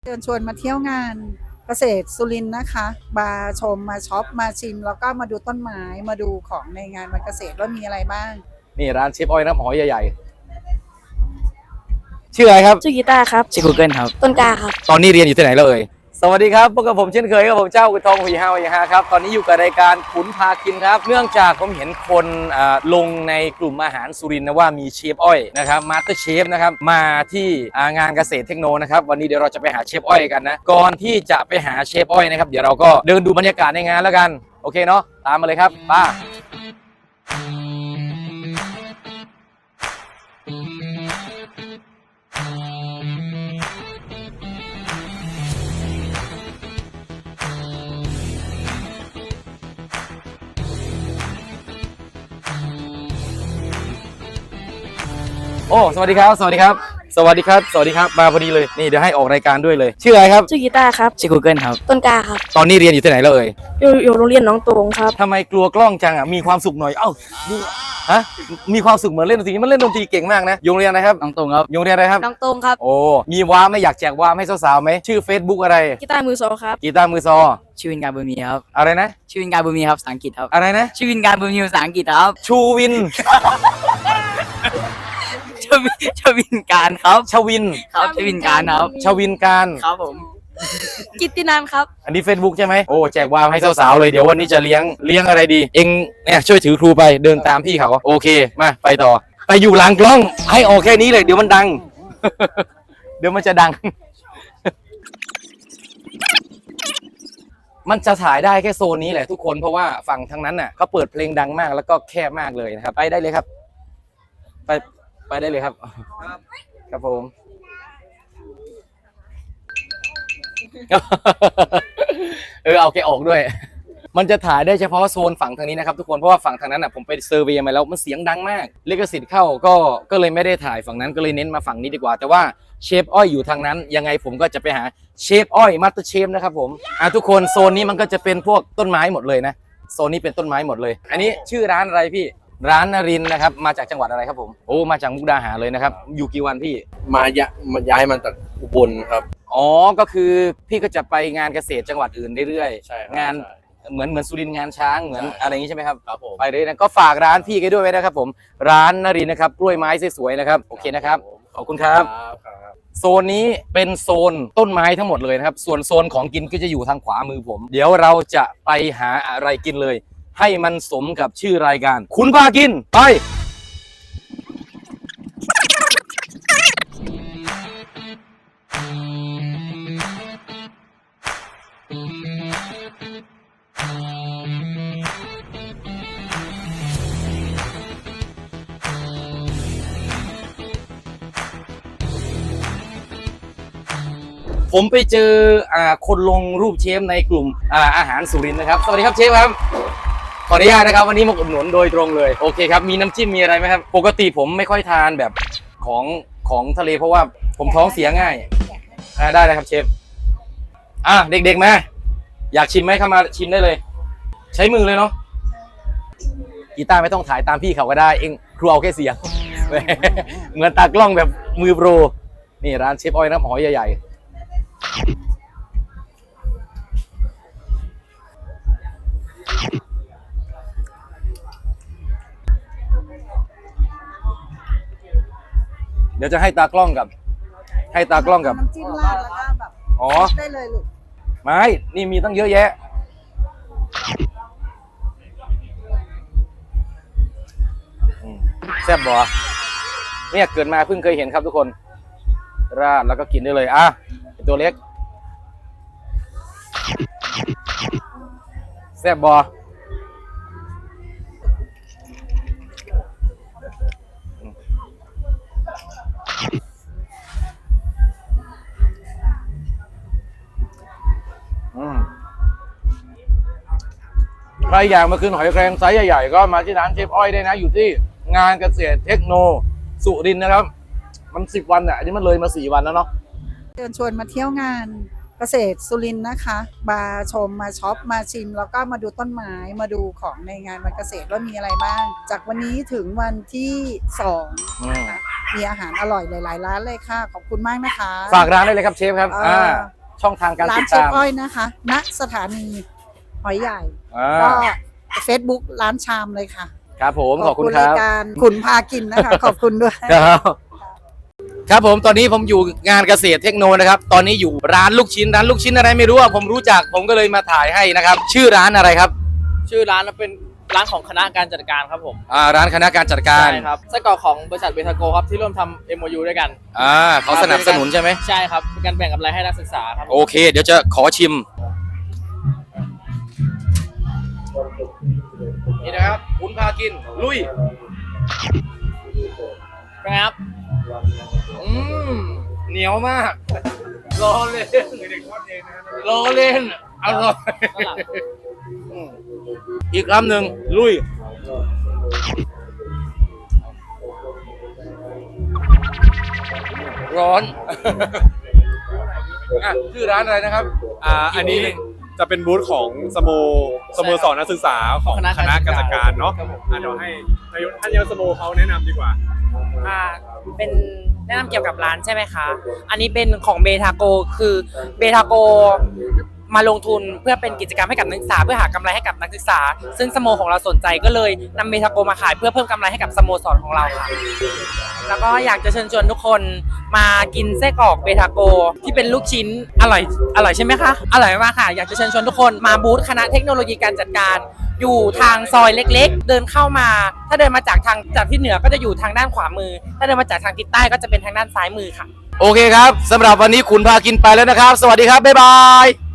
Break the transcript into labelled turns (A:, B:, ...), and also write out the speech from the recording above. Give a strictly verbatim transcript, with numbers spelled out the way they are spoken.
A: ชิญชวนมาเที่ยวงานเกษตรสุรินทร์นะคะมาชมมาช็อปมาชิมแล้วก็มาดูต้นไม้มาดูของในงานวันเกษตรว่ามีอะไรบ้าง
B: นี่ร้านเชฟอ้อยน้ำหอยใหญ่ๆชื่ออะไรครับ
C: ชื่อกีตาร์ครับชื่อ Google ครับต้นกล้าครับ
B: ตอนนี้เรียนอยู่ที่ไหนแล้วเอ่ยสวัสดีครับพบกับผมเช่นเคยครับผมเจ้ากุยทองหุยฮาวหุยฮาครับตอนนี้อยู่กับรายการขุนพากินครับเนื่องจากผมเห็นคนลงในกลุ่มอาหารสุรินทร์นะว่ามีเชฟอ้อยนะครับมาสเตอร์เชฟนะครับมาที่งานเกษตรเทคโนนะครับวันนี้เดี๋ยวเราจะไปหาเชฟอ้อยกันนะก่อนที่จะไปหาเชฟอ้อยนะครับเดี๋ยวเราก็เดินดูบรรยากาศในงานแล้วกันโอเคเนาะตามมาเลยครับป้าโอ้สวัสดีครับสวัสดีครับสวัสดีครับสวัสดีครับมาพอดีเลยนี่เดี๋ยวให้ออกรายการด้วยเลยชื่ออะไรครับ
C: ชื่อกีตาร์ครับชื่อ Google ครับต้นกล้าครับ
B: ตอนนี้เรียนอยู่ที่ไหนแล้วเอ่ย
C: อยู่อยู่โรงเรียนน้องตรงครับ
B: ทำไมกลัวกล้องจังอ่ะมีความสุขหน่อยเอ้าดูฮะมีความสุขเหมือนเล่นดนตรีมันเล่นดนตรีเก่งมากนะโรงเรียนอะไรครับ
C: น้องตรงครับ
B: โรงเรียนอะไรครับ
C: น้องตรงครับ
B: โอ้มีว้าไม่อยากแจกว้าให้สาวๆไหมชื่อ Facebook อะไร
C: กีตาร์มือโซครับ
B: กีตาร์มือซอ
C: ชื่อวินการบุญมีครับ
B: อะไรนะ
C: ชื่อวินการบุญมีครับภาษาอังกฤษครับ
B: อะไรนะ
C: ชื่อวินการบุญมีภาษาอังกฤษครับ
B: ชูวิน
C: ชวินชวินการครับ
B: ชวิน
C: ครับชวินการครับ
B: ชวินการ
C: ครับผมกิตตินันครับ
B: อันนี้ Facebook ใช่ไหมโอ้แจกวาวให้สาวๆเลยเดี๋ยววันนี้จะเลี้ยงเลี้ยงอะไรดีเองเนี่ยช่วยถือครูไปเดินตามพี่เขาโอเคมาไปต่อไปอยู่หลังกล้องให้ออกแค่นี้เลยเดี๋ยวมันดัง เดี๋ยวมันจะดัง มันจะถ่ายได้แค่โซนนี้แหละทุกคนเพราะว่าฝั่งทางนั้นน่ะเขาเปิดเพลงดังมากแล้วก็แคบมากเลยนะครับไปได้เลยครับไปไปได้เลยครับครับผมเออเอาแกออกด้วยมันจะถ่ายได้เฉพาะโซนฝั่งทางนี้นะครับทุกคนเพราะว่าฝั่งทางนั้นอ่ะผมไปเซอร์เวย์มาแล้วมันเสียงดังมากลิขสิทธิ์เข้าก็ก็เลยไม่ได้ถ่ายฝั่งนั้นก็เลยเน้นมาฝั่งนี้ดีกว่าแต่ว่าเชฟอ้อยอยู่ทางนั้นยังไงผมก็จะไปหาเชฟอ้อยมาสเตอร์เชฟนะครับผมอ่ะทุกคนโซนนี้มันก็จะเป็นพวกต้นไม้หมดเลยนะโซนนี้เป็นต้นไม้หมดเลยอันนี้ชื่อร้านอะไรพี่ร้านนรินทร์นะครับมาจากจังหวัดอะไรครับผมโอ้มาจากมุกดาหารเลยนะครับอยู่กี่วันพี่
D: มายะมาย้ายมาจากอุบลครับ
B: อ๋อก็คือพี่ก็จะไปงานเกษตรจังหวัดอื่นเรื่อยๆงานเหมือนเหมือนสุรินทร์งานช้างเหมือนอะไรอย่างนี้ใช่ไหมครับ
D: ครับผม
B: ไปเลยนะก็ฝากร้านพี่กันด้วยไว้นะครับผมร้านนรินทร์นะครับกล้วยไม้สวยๆนะครับโอเคนะครับขอบคุณครับโซนนี้เป็นโซนต้นไม้ทั้งหมดเลยนะครับส่วนโซนของกินก็จะอยู่ทางขวามือผมเดี๋ยวเราจะไปหาอะไรกินเลยให้มันสมกับชื่อรายการคุณพากินไปผมไปเจออ่าคนลงรูปเชฟในกลุ่มอ่าอาหารสุรินทร์นะครับสวัสดีครับเชฟครับขออนุญาตนะครับวันนี้มาอุดหนุนโดยตรงเลยโอเคครับมีน้ำจิ้มมีอะไรไหมครับปกติผมไม่ค่อยทานแบบของของทะเลเพราะว่าผมท้องเสียง่ายอ่าได้เลยครับเชฟอ่ะเด็กๆมาอยากชิมไหมเข้ามาชิมได้เลยใช้มือเลยเนาะกีตาร์ไม่ต้องถ่ายตามพี่เขาก็ได้เองครูเอาแค่เสียง เหมือนตากล้องแบบมือโปรนี่ร้านเชฟอ้อยน้ำหอยใหญ่ๆเดี๋ยวจะให้ตากล้องกับให้ตากล้องกับ
A: น้ำจิ้มราดแล้วก็แบบอ๋อได้เลยลูก
B: ไม่นี่มีตั้งเยอะแยะแซ่บบ่เนี่ยเกิดมาเพิ่งเคยเห็นครับทุกคนราดแล้วก็กินได้เลยอ่ะตัวเล็กแซ่บบ่ใครอยากมาคืนหอยแครงไซส์ใหญ่ๆก็มาที่ร้านเชฟอ้อยได้นะอยู่ที่งานเกษตรเทคโนสุรินทร์นะครับมันสิบวันอ่ะอันนี้มันเลยมาสี่วันแล้วเนาะ
A: เชิญชวนมาเที่ยวงานเกษตรสุรินทร์นะคะมาชมมาช็อปมาชิมแล้วก็มาดูต้นไม้มาดูของในงานวันเกษตรว่ามีอะไรบ้างจากวันนี้ถึงวันที่สองนะคะมีอาหารอร่อยหลายๆร้านเลยค่ะขอบคุณมากนะคะ
B: ฝากร้านได้เลยครับเชฟครับอ่าช่องทางการ
A: ร้า
B: ติ
A: น
B: ด
A: เชฟ
B: ตาม
A: อ้อยนะคะณสถานีหอยใหญ่
B: อ่า
A: ก็ Facebook ร้านชามเลยค่ะ
B: ครับผมขอบคุณครั
A: รา
B: บ
A: ยการขุนพากินนะคะ ขอบคุณด้วย
B: ครับครับผมตอนนี้ผมอยู่งานเกษตรเทคโนนะครับ ตอนนี้อยู่ร้านลูกชิ้นร้านลูกชิ้นอะไรไม่รู้อะผมรู้จักผมก็เลยมาถ่ายให้นะครับ ชื่อร้านอะไรครับ
E: ชื่อร้านเป็นร้านของคณะการจัดการครับผม
B: อ่าร้านคณะการจัดการ
E: ใช่ครับไส้กรอกของบริษัทเบทาโกครับที่ร่วมทำ เอ็ม โอ ยู ด้วยกัน
B: อ่าเขาสนับสนุนใช่ไหม
E: ใช่ครับเป็นการแบ่งกำไรให้นักศึกษาครับ
B: โอเค เดี๋ยวจะขอชิมนี่นะครับคุณพากินลุย
E: เป็นไงครับ
B: อืมเหนียวมากรอเล่นรอเล่นอร่อยอืมอีกคำหนึ่งลุยร้อน อ่ะชื่อร้านอะไรนะครับ
F: อ่าอันนี้จะเป็นบูธของสโมสโมสรนักศึกษาของคณะการจัดการเนาะอ่ะเดี๋ยวให้นายกท่านนายกสโมเขาแนะนำดีกว่า
G: อ่าเป็นแนะนำเกี่ยวกับร้านใช่ไหมคะ อันนี้เป็นของเบทาโกคือเบทาโกมาลงทุนเพื่อเป็นกิจกรรมให้กับนักศึกษาเพื่อหากำไรให้กับนักศึกษา ซึ่งสโมของเราสนใจก็เลยนำเบทาโกมาขายเพื่อเพิ่มกำไรให้กับสโมสรของเราค่ะ แล้วก็อยากจะเชิญชวนทุกคนมากินไส้กรอกเบทาโกที่เป็นลูกชิ้นอร่อยอร่อยใช่ไหมคะอร่อยมากค่ะอยากจะเชิญชวนทุกคนมาบูธคณะเทคโนโลยีการจัดการ อยู่ทางซอยเล็กๆ เดินเข้ามา ถ้าเดินมาจากทางจากที่เหนือก็จะอยู่ทางด้านขวามือ ถ้าเดินมาจากทางทิศใต้ก็จะเป็นทางด้านซ้ายมือค่ะ
B: โอเคครับสำหรับวันนี้คุณพากินไปแล้วนะครับ สวัสดีครับ บ๊ายบาย